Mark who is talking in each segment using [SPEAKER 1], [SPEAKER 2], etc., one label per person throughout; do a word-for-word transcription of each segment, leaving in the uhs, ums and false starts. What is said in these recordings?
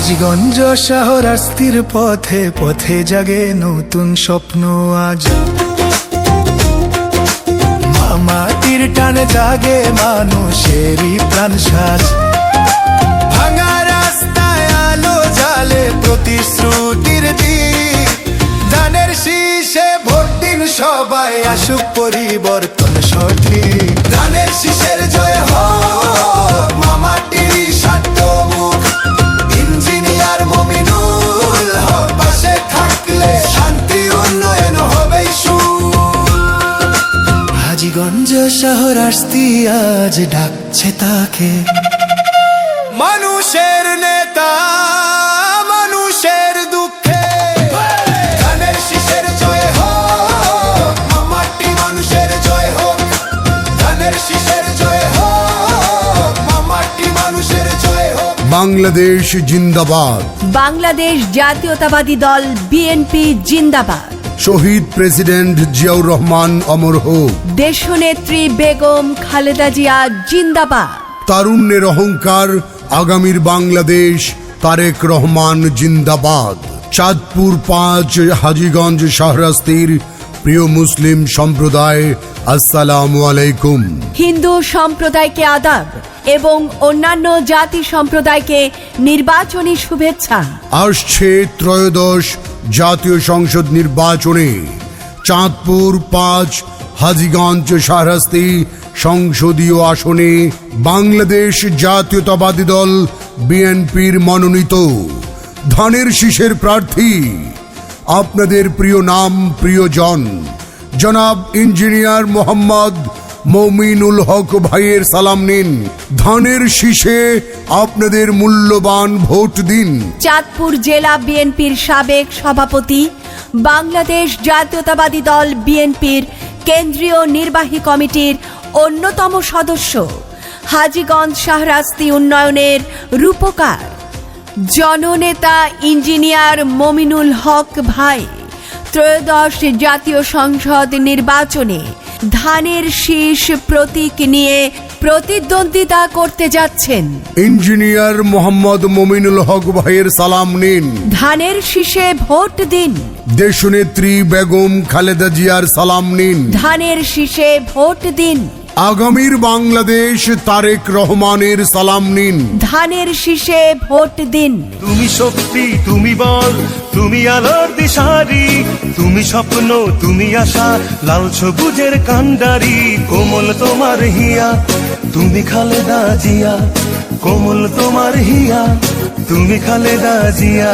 [SPEAKER 1] হাজীগঞ্জ শাহরাস্তির পথে পথে জাগে নতুন স্বপ্ন আজ। মাটির টানে জাগে মানুষেরই প্রাণ সাজ। ভাঙা রাস্তায় আলো জালে প্রতিশ্রুতির দ্বীপ। ধানের শীষে ভোট দিন সবাই, আসুক পরিবর্তন সঠিক। ধানের শীষের জয় হোক, মামাটির সাধ্যমুখ। ইঞ্জিনিয়ার মমিনুল হক পাশে থাকলে শান্তি উন্নয়ন হবেই সুখ। হাজীগঞ্জ শাহরাস্তি আজ ডাকছে তাকে, মানুষের নেতা মানুষের দুঃখে। ধানের শীষের জয় হোক, মামাটি মানুষের জয় হোক। ধানের শীষের জয় হোক, মামাটি মানুষের জয় হোক।
[SPEAKER 2] বাংলাদেশ জিন্দাবাদ।
[SPEAKER 3] বাংলাদেশ জাতীয়তাবাদী দল বিএনপি জিন্দাবাদ।
[SPEAKER 2] শহীদ প্রেসিডেন্ট জিয়াউর রহমান অমর হোক।
[SPEAKER 3] দেশনেত্রী বেগম খালেদা জিয়া জিন্দাবাদ।
[SPEAKER 2] তারুণ্যের অহংকার আগামীর বাংলাদেশ তারেক রহমান জিন্দাবাদ। চাঁদপুর পাঁচ হাজীগঞ্জ শাহরাস্তির প্রিয় মুসলিম সম্প্রদায়, আসসালামু আলাইকুম।
[SPEAKER 3] হিন্দু সম্প্রদায়কে আদাব এবং অন্যান্য জাতি সম্প্রদায়কে নির্বাচনী শুভেচ্ছা।
[SPEAKER 2] আসছে ত্রয়োদশ জাতীয় সংসদ নির্বাচনে চাঁদপুর পাঁচ হাজীগঞ্জ শাহরাস্তি সংসদীয় আসনে বাংলাদেশ জাতীয়তাবাদী দল বিএনপির মনোনীত ধানের শীষের প্রার্থী আপনাদের প্রিয় নাম প্রিয়জন জনাব ইঞ্জিনিয়ার মোহাম্মদ মমিনুল হক ভাইয়ের সালাম নিন। ধানের শীষে আপনাদের মূল্যবান ভোট দিন।
[SPEAKER 3] চাঁদপুর জেলা বিএনপির সাবেক সভাপতি, বাংলাদেশ জাতীয়তাবাদী দল বিএনপির কেন্দ্রীয় নির্বাহী কমিটির অন্যতম সদস্য, হাজীগঞ্জ শাহরাস্তি উন্নয়নের রূপকার জননেতা ইঞ্জিনিয়ার মমিনুল হক ভাই ত্রয়োদশ জাতীয় সংসদ নির্বাচনে ধানের শীষ প্রতীক নিয়ে প্রতিদ্বন্দ্বিতা করতে যাচ্ছেন।
[SPEAKER 2] ইঞ্জিনিয়ার মোহাম্মদ মমিনুল হক ভাইয়ের সালাম নিন।
[SPEAKER 3] ধানের শীষে ভোট দিন।
[SPEAKER 2] দেশনেত্রী বেগম খালেদা জিয়ার সালাম নিন।
[SPEAKER 3] ধানের শীষে ভোট দিন।
[SPEAKER 2] আগামীর বাংলাদেশ তারেক রহমানের সালাম নিন।
[SPEAKER 3] ধানের শীষে ভোট দিন।
[SPEAKER 4] তুমি শক্তি, তুমি বল, তুমি আলোর দিশারি, তুমি স্বপ্ন, তুমি আশা, লাল সবুজের কান্ডারি। কোমল তোমার হিয়া, তুমি খালেদা জিয়া, কোমল তোমার হিয়া, তুমি খালেদা জিয়া।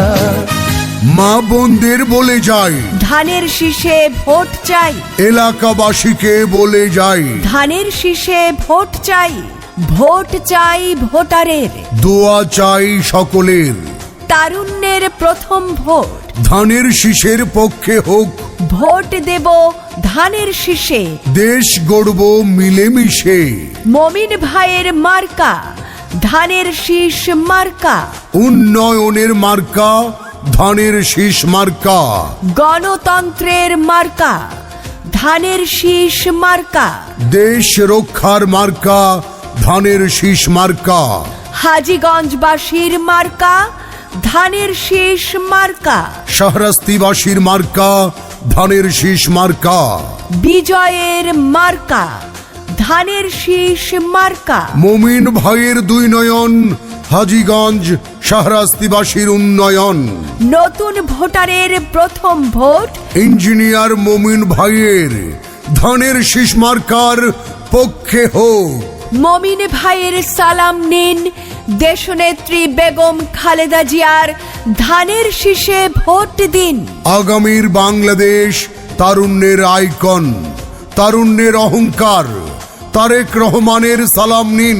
[SPEAKER 2] মা বোনদের বলে যাই,
[SPEAKER 3] ধানের শীষে ভোট চাই।
[SPEAKER 2] এলাকাবাসীকে বলে যাই,
[SPEAKER 3] ধানের শীষে ভোট চাই। ভোট চাই ভোটারের,
[SPEAKER 2] দোয়া চাই সকলের।
[SPEAKER 3] তারুণ্যের প্রথম ভোট
[SPEAKER 2] ধানের শীষের পক্ষে হোক।
[SPEAKER 3] ভোট দেব ধানের শীষে।
[SPEAKER 2] দেশ গড়ব মিলেমিশে।
[SPEAKER 3] মমিন ভাইয়ের মার্কা ধানের শীষ মার্কা।
[SPEAKER 2] উন্নয়নের মার্কা ধানের শীষ মার্কা।
[SPEAKER 3] গণতন্ত্রের মার্কা ধানের শীষ মার্কা।
[SPEAKER 2] দেশ রক্ষার মার্কা ধানের শীষ মার্কা।
[SPEAKER 3] হাজীগঞ্জবাসীর মার্কা ধানের শীষ মার্কা।
[SPEAKER 2] শাহরাস্তিবাসীর মার্কা ধানের শীষ মার্কা।
[SPEAKER 3] বিজয়ের মার্কা ধানের শীষ মার্কা।
[SPEAKER 2] মমিন ভাইয়ের দুই নয়ন, হাজীগঞ্জ শাহরাস্তিবাসীর উন্নয়ন।
[SPEAKER 3] নতুন ভোটারের প্রথম ভোট
[SPEAKER 2] ইঞ্জিনিয়ার মমিন ভাইয়ের ধানের শীষ মার্কার পক্ষে হোক।
[SPEAKER 3] মমিন ভাইয়ের সালাম নিন। দেশনেত্রী বেগম খালেদা জিয়ার ধানের শীষে ভোট দিন।
[SPEAKER 2] আগামীর বাংলাদেশ তারুণ্যের আইকন, তারুণ্যের অহংকার তারেক রহমানের সালাম নিন।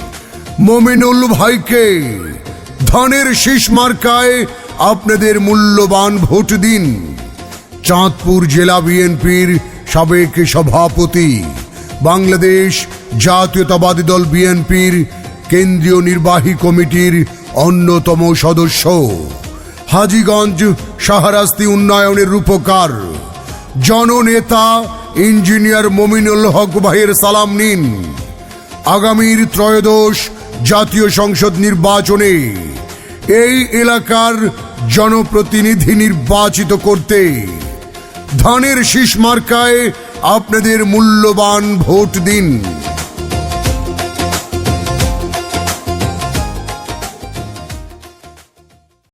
[SPEAKER 2] মমিনুল ভাইকে ধানের শীষ মার্কায় আপনাদের মূল্যবান ভোট দিন। চাঁদপুর জেলা বিএনপির সাবেক সভাপতি, বাংলাদেশ জাতীয়তাবাদী দল বিএনপির কেন্দ্রীয় নির্বাহী কমিটির অন্যতম সদস্য, হাজীগঞ্জ শাহরাস্তি উন্নয়নের রূপকার জননেতা ইঞ্জিনিয়ার মমিনুল হক ভাইয়ের সালাম নিন। আগামীর ত্রয়োদশ জাতীয় সংসদ নির্বাচনে এই এলাকার জনপ্রতিনিধি নির্বাচিত করতে ধানের শীষ মার্কায় আপনাদের মূল্যবান ভোট দিন।